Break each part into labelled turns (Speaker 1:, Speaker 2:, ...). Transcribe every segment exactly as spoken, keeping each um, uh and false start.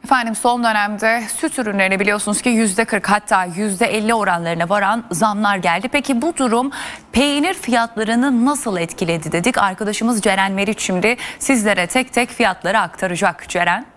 Speaker 1: Efendim son dönemde süt ürünlerine biliyorsunuz ki yüzde kırk hatta yüzde elli oranlarına varan zamlar geldi. Peki bu durum peynir fiyatlarını nasıl etkiledi dedik. Arkadaşımız Ceren Meriç şimdi sizlere tek tek fiyatları aktaracak. Ceren.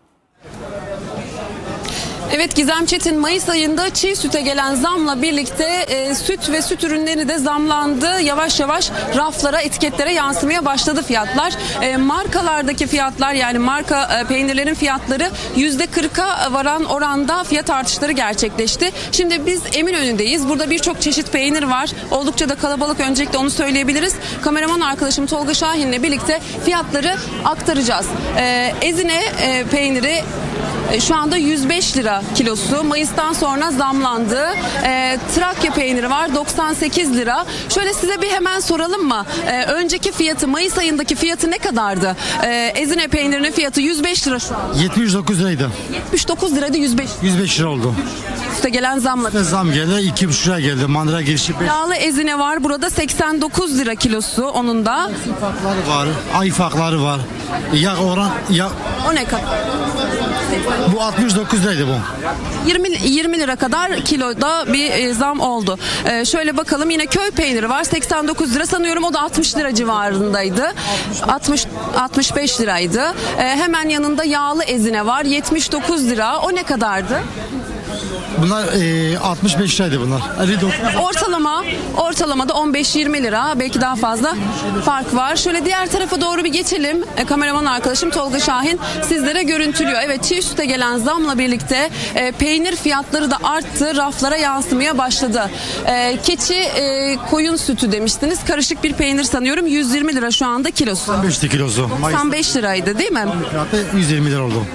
Speaker 2: Evet Gizem Çetin, Mayıs ayında çiğ süte gelen zamla birlikte e, süt ve süt ürünleri de zamlandı. Yavaş yavaş raflara, etiketlere yansımaya başladı fiyatlar. E, markalardaki fiyatlar, yani marka e, peynirlerin fiyatları yüzde kırka varan oranda fiyat artışları gerçekleşti. Şimdi biz Eminönü'ndeyiz. Burada birçok çeşit peynir var. Oldukça da kalabalık, öncelikle onu söyleyebiliriz. Kameraman arkadaşım Tolga Şahin'le birlikte fiyatları aktaracağız. E, Ezine e, peyniri şu anda yüz beş lira kilosu. Mayıs'tan sonra zamlandı. E, Trakya peyniri var doksan sekiz lira. Şöyle size bir hemen soralım mı? E, önceki fiyatı, Mayıs ayındaki fiyatı ne kadardı? E, Ezine peynirinin fiyatı yüz beş lira şu an.
Speaker 3: yetmiş dokuz liraydı.
Speaker 2: yetmiş dokuz liraydı, yüz beş.
Speaker 3: yüz beş lira oldu.
Speaker 2: Üste gelen zamla.
Speaker 3: İşte zam geldi. iki buçuk lira geldi. Mandıra girişi beş.
Speaker 2: Yağlı ezine var. Burada seksen dokuz lira kilosu onun da.
Speaker 3: Farkları var. Ay farkları var. Ya oran ya
Speaker 2: O ne kadar?
Speaker 3: bu altmış dokuz liraydı bu.
Speaker 2: yirmi, yirmi lira kadar kiloda bir e, zam oldu. E, şöyle bakalım, yine köy peyniri var seksen dokuz lira, sanıyorum o da altmış lira civarındaydı. altmış altmış beş liraydı. E, hemen yanında yağlı ezine var yetmiş dokuz lira. O ne kadardı?
Speaker 3: Bunlar e, altmış beş liraydı bunlar. elli dokuz.
Speaker 2: Ortalama ortalamada on beş yirmi lira, belki daha fazla fark var. Şöyle diğer tarafa doğru bir geçelim. E, kameraman arkadaşım Tolga Şahin sizlere görüntülüyor. Evet, çiğ süte gelen zamla birlikte e, peynir fiyatları da arttı. Raflara yansımaya başladı. E, keçi e, koyun sütü demiştiniz. Karışık bir peynir sanıyorum. yüz yirmi lira şu anda kilosu.
Speaker 3: doksan beş kilosu.
Speaker 2: doksan beş liraydı değil mi?
Speaker 3: Fiyatı yüz yirmi lira oldu.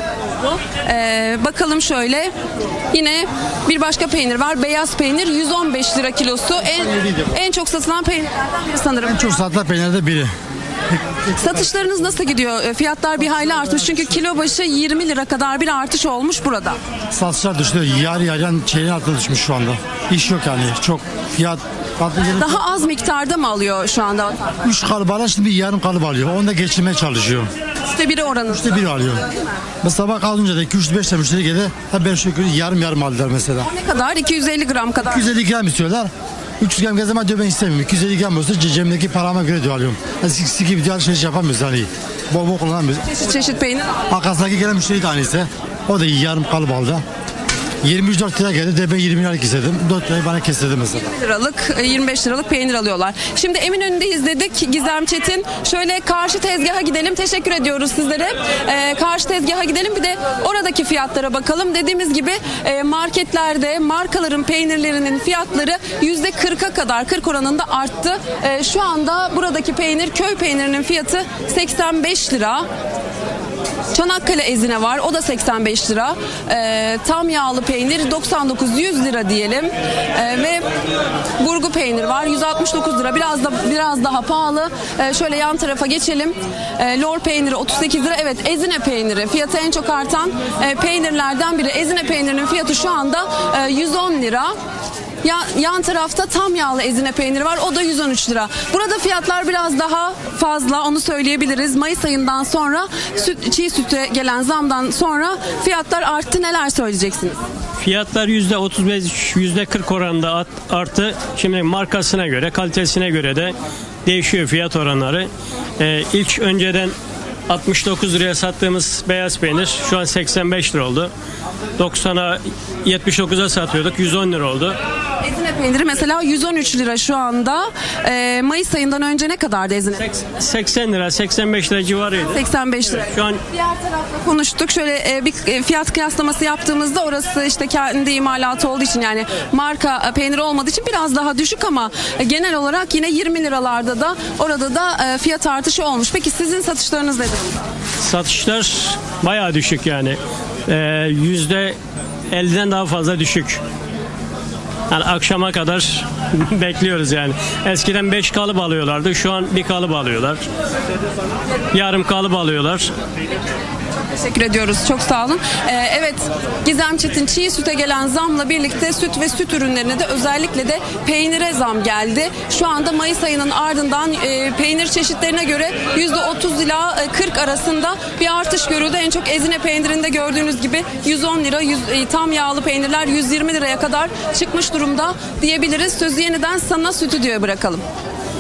Speaker 2: Ee, bakalım şöyle, yine bir başka peynir var, beyaz peynir yüz on beş lira kilosu, en, en çok satılan peynirlerden biri sanırım.
Speaker 3: En çok satılan peynirde biri.
Speaker 2: Satışlarınız nasıl gidiyor? E, Fiyatlar bir hayli artmış çünkü kilo başı yirmi lira kadar bir artış olmuş burada.
Speaker 3: Satışlar düştü. Yarı yarıyan çeyreğin altına düşmüş şu anda. İş yok yani. Çok fiyat.
Speaker 2: Daha az miktarda mı alıyor şu anda?
Speaker 3: üç kalıp alıyor, şimdi bir yarım kalıp alıyor. Onu da geçirmeye çalışıyor.
Speaker 2: İşte biri oranı.
Speaker 3: İşte biri alıyor. Mesela bak az önce de iki yüz beş müşteri geldi. Ha ben şu yarım yarım aldılar mesela.
Speaker 2: Ne kadar? iki yüz elli gram kadar.
Speaker 3: iki yüz elli gram istiyorlar. üç yüz gram gezeme diyor ben istemiyorum. iki yüz elli gram olsa cebimdeki parama göre diyor alıyorum. Yani siksi gibi diyor alışveriş yapamıyoruz hani. Bol bol kullanamıyoruz.
Speaker 2: Çeşit çeşit peynir.
Speaker 3: Arkasındaki gelen müşteri de aynısı. O da yarım kalıp aldı. yirmi üç dört lira geldi de ben yirmi liralık istedim. dört lirayı bana kestirdi mesela.
Speaker 2: yirmi liralık, yirmi beş liralık peynir alıyorlar. Şimdi Eminönü'ndeyiz dedik Gizem Çetin. Şöyle karşı tezgaha gidelim. Teşekkür ediyoruz sizlere. Ee, karşı tezgaha gidelim, bir de oradaki fiyatlara bakalım. Dediğimiz gibi e, marketlerde markaların peynirlerinin fiyatları yüzde kırka kadar, kırk oranında arttı. E, şu anda buradaki peynir, köy peynirinin fiyatı seksen beş lira. Çanakkale ezine var, o da seksen beş lira. Ee, tam yağlı peynir doksan dokuz yüz lira diyelim. Ee, ve burgu peynir var yüz altmış dokuz lira, biraz da biraz daha pahalı. Ee, şöyle yan tarafa geçelim. Ee, lor peyniri otuz sekiz lira. Evet, ezine peyniri fiyatı en çok artan e, peynirlerden biri. Ezine peynirinin fiyatı şu anda e, yüz on lira. Yan, yan tarafta tam yağlı ezine peyniri var, o da yüz on üç lira. Burada fiyatlar biraz daha fazla, onu söyleyebiliriz. Mayıs ayından sonra süt, çiğ süte gelen zamdan sonra fiyatlar arttı. Neler söyleyeceksiniz?
Speaker 4: Fiyatlar yüzde otuz beş yüzde kırk oranında arttı. Şimdi markasına göre, kalitesine göre de değişiyor fiyat oranları. Ee, ilk önceden altmış dokuz liraya sattığımız beyaz peynir şu an seksen beş lira oldu. doksana yetmiş dokuza satıyorduk, yüz on lira oldu.
Speaker 2: Ezine peyniri mesela yüz on üç lira şu anda. Ee, Mayıs ayından önce ne kadardı ezine?
Speaker 4: seksen lira, seksen beş lira civarıydı.
Speaker 2: seksen beş lira.
Speaker 4: Şu an
Speaker 2: diğer tarafla konuştuk. Şöyle e, bir e, fiyat kıyaslaması yaptığımızda orası işte kendi imalatı olduğu için, yani marka e, peyniri olmadığı için biraz daha düşük, ama e, genel olarak yine yirmi liralarda da orada da e, fiyat artışı olmuş. Peki sizin satışlarınız nedir?
Speaker 4: satışlar bayağı düşük yani. Ee, yüzde elliden daha fazla düşük. Yani akşama kadar bekliyoruz yani. Eskiden beş kalıp alıyorlardı. Şu an bir kalıp alıyorlar. Yarım kalıp alıyorlar.
Speaker 2: Teşekkür ediyoruz. Çok sağ olun. Ee, evet, Gizem Çetin, çiğ süte gelen zamla birlikte süt ve süt ürünlerine de özellikle de peynire zam geldi. Şu anda Mayıs ayının ardından e, peynir çeşitlerine göre yüzde otuz ila kırk arasında bir artış görüldü. En çok Ezine peynirinde gördüğünüz gibi yüz on lira, yüz, e, tam yağlı peynirler yüz yirmi liraya kadar çıkmış durumda diyebiliriz. Sözü yeniden sana stüdyoya bırakalım.